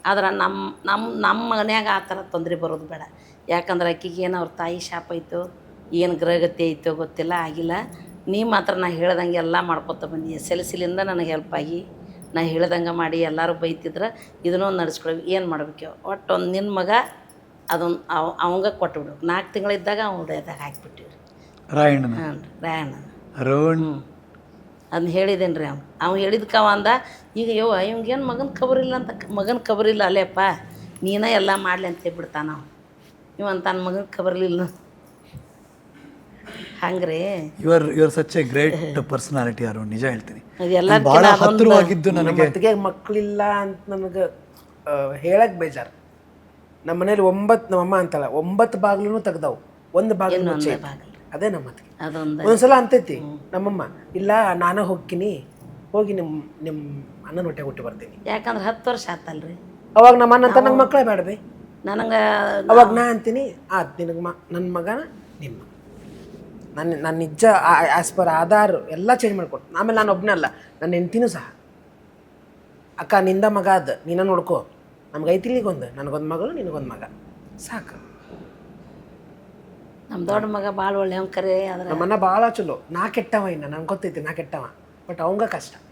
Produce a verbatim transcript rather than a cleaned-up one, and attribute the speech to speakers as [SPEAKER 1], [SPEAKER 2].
[SPEAKER 1] ಆದ್ರೆ ನಮ್ಮ ನಮ್ಮ ನಮ್ಮ ಮನ್ಯಾಗ ಆ ಥರ ತೊಂದರೆ ಬರೋದು ಬೇಡ. ಯಾಕಂದ್ರೆ ಆಕಿಗೆ ಏನು ಅವ್ರ ತಾಯಿ ಶಾಪ ಐತೋ ಏನು ಗ್ರಹಗತಿ ಐತೋ ಗೊತ್ತಿಲ್ಲ, ಆಗಿಲ್ಲ. ನೀ ಮಾತ್ರ ನಾ ಹೇಳ್ದಂಗೆ ಎಲ್ಲ ಮಾಡ್ಕೊತ ಬಂದಿ. ಎಸ್ ಎಲ್ ಸಿಲಿಂದ ನನಗೆ ಹೆಲ್ಪ್ ಆಗಿ ನಾ ಹೇಳ್ದಂಗೆ ಮಾಡಿ ಎಲ್ಲರೂ ಬೈತಿದ್ರೆ ಇದನ್ನೂ ನಡೆಸ್ಕೊಡ್ಬೇಕು. ಏನು ಮಾಡ್ಬೇಕು ಒಟ್ಟು ಒಂದು ನಿನ್ನ ಮಗ ಅದೊಂದು ಅವ ಅವಂಗ ಕೊಟ್ಬಿಡು. ನಾಲ್ಕು ತಿಂಗಳಿದ್ದಾಗ ಅವ್ನು ಹೊಡೆಯೋದಾಗ ಹಾಕಿಬಿಟ್ಟಿವಿ ರೀ.
[SPEAKER 2] ರಾಯಣ್ಣನ
[SPEAKER 1] ಹಾಂ ರೀ ರಾಯಣ್ಣ
[SPEAKER 2] ರೋಣ್
[SPEAKER 1] ಅದನ್ನ ಹೇಳಿದ್ದೇನೆ ರೀ. ಅವ್ನು ಅವ್ನು ಹೇಳಿದ್ಕ ಅವ ಅಂದ, ಈಗ ಯವ್ವ ಇವಂಗೇನು ಮಗನ ಖಬರಿಲ್ಲ ಅಂತ. ಮಗನ ಖಬರಿಲ್ಲ ಅಲ್ಲೇಪ್ಪ, ನೀನೇ ಎಲ್ಲ ಮಾಡಲಿ ಅಂತ ಹೇಳ್ಬಿಡ್ತಾನ ನಾವು. ಇವ ತನ್ನ ಮಗನ ಖಬರ್ಲಿಲ್ಲ ಹಂಗ್ರಿ.
[SPEAKER 2] Your your such a great personality Arun, ನಿಜ ಹೇಳ್ತೀನಿ.
[SPEAKER 1] ಅದೆಲ್ಲ
[SPEAKER 2] ಭಾಳ ಹತ್ತಿರವಾಗಿದ್ದು ನನಗೆ.
[SPEAKER 3] ಮತ್ತಿಗೆ ಮಕ್ಕಳಿಲ್ಲ ಅಂತ ನಮಗೆ ಹೇಳಕ್ಕೆ ಬೇಜಾರು. ನಮ್ಮ ಮನೇಲಿ ಒಂಬತ್ತು, ನಮ್ಮಮ್ಮ ಅಂತಲ್ಲ, ಒಂಬತ್ತು ಬಾಗಿಲು ತೆಗ್ದವು, ಒಂದು ಬಾಗಿಲು ಮುಚ್ಚೆ. ಅದೇ ನಮ್ಮ ಮತ್ತಿಗೆ
[SPEAKER 1] ಅದೊಂದು
[SPEAKER 3] ಒಂದ್ಸಲ ಅಂತೈತಿ ನಮ್ಮಮ್ಮ, ಇಲ್ಲ ನಾನೇ ಹೋಗ್ತೀನಿ, ಹೋಗಿ ನಿಮ್ಮ ನಿಮ್ಮ ಅಣ್ಣನ ಹೊಟ್ಟೆ ಹುಟ್ಟಿ ಬರ್ತೀನಿ.
[SPEAKER 1] ಯಾಕಂದ್ರೆ ಹತ್ತು ವರ್ಷ ಆತಲ್ರಿ.
[SPEAKER 3] ಅವಾಗ ನಮ್ಮ ಅಣ್ಣ ಅಂತ ನಂಗೆ ಮಕ್ಕಳೇ ಬೇಡಬೇ.
[SPEAKER 1] ನನಗೆ
[SPEAKER 3] ಅವಾಗ ನಾ ಅಂತೀನಿ, ಆಯ್ತು ನಿನಗೆ ಮ ನನ್ನ ಮಗನ ನಿಮ್ಮ ನನ್ನ ನನ್ನ ನಿಜ ಆ್ಯಸ್ ಪರ್ ಆಧಾರ್ ಎಲ್ಲ ಚೇಂಜ್ ಮಾಡಿಕೊಟ್ಟು. ಆಮೇಲೆ ನಾನು ಒಬ್ಬನೇ ಅಲ್ಲ, ನನ್ನ ಹೆಂಡ್ತಿನೂ ಸಹ, ಅಕ್ಕ ನಿಂದ ಮಗ ಅದು ನೀನ ನೋಡ್ಕೋ, ನಮ್ಗೆ ಐತಿಲಿಗೊಂದು, ನನಗೊಂದು ಮಗಳು ನಿನಗೊಂದು ಮಗ ಸಾಕು.
[SPEAKER 1] ನಮ್ಮ ದೊಡ್ಡ ಮಗ ಭಾಳ ಒಳ್ಳೆ ಅವ್ನು ಕರೆ. ಆದ್ರೆ
[SPEAKER 3] ನಮ್ಮನ್ನ ಭಾಳ ಚಲೋ. ನಾ ಕೆಟ್ಟವ, ಇನ್ನು ನಂಗೆ ಗೊತ್ತೈತಿ ನಾ ಕೆಟ್ಟವ, ಬಟ್ ಅವಂಗ ಕಷ್ಟ.